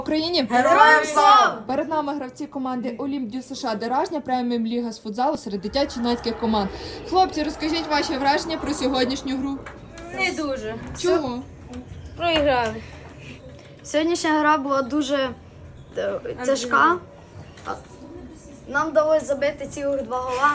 Україні! Героям слава! Перед нами гравці команди Олімп Дю США Деражня, преміум ліга з футзалу серед дитячо-юнацьких команд. Хлопці, розкажіть ваші враження про сьогоднішню гру. Не дуже. Чого? Проіграли. Сьогоднішня гра була дуже тяжка. Нам вдалося забити цілих 2 гола.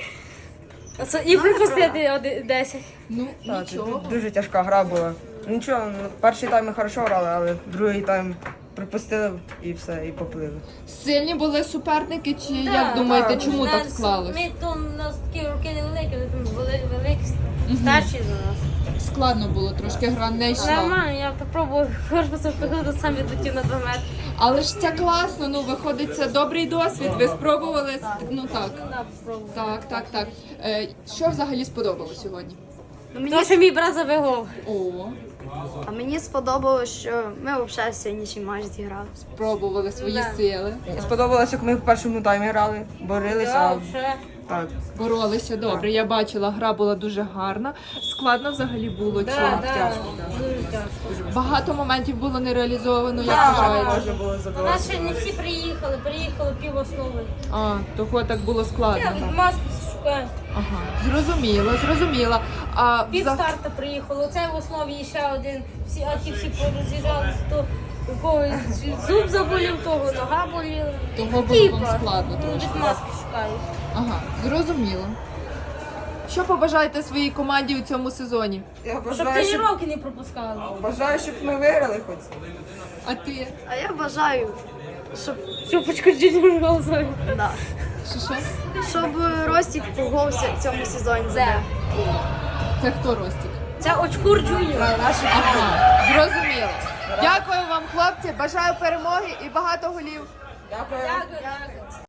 І припустити 10. Ну, Так, нічого. дуже тяжка гра була. Нічого, перший тайм ми хорошо грали, але другий тайм припустили і все, і поплили. Сильні були суперники, чи як думаєте, чому так склалось? Ми то у нас такі руки не великі, вони там були великі, старші за нас. Складно було трошки, гра не йшла. Нормально, я попробував корпусом приходити, сам відлетів на 2 метри. Але ж це класно, ну виходить, це добрий досвід. Ви спробували? Ну так. Так. Що взагалі сподобалось сьогодні? Тому що мій брат забив гол. О, А мені сподобалось, що ми взагалі сьогоднішній матч зіграли. спробували свої Да. сили. Сподобалося, як ми в першому таймі грали, боролися. Так, вже. Так. Боролися добре. Я бачила, гра була дуже гарна. Складно взагалі було. Чи Дуже тяжко. багато моментів було не реалізовано, як Так, вважаєте? можна було У забивати. нас ще не всі приїхали пів основи. А, того так було складно. Я маски шукаю. Ага, зрозуміла. А Пів старта приїхало, це в основі і ще один. А ті всі пороз'їжджалися, то у когось зуб заболів, того нога боліла. того було вам складно Ну, трошки. від маски шукають. Ага, зрозуміло. Що побажаєте своїй команді у цьому сезоні? Я Щоб бажаю, щоб, тренування не пропускали. щоб ми виграли хоч. А ти? А я бажаю, щоб, Шупочку Джуніор голосує. да, Що? щоб Ростік погодився в цьому сезоні. Це. Це хто Ростік? Це очкур Джуніор. Ага, зрозуміло. Дякую вам, хлопці. Бажаю перемоги і багато голів. Дякую. Дякую.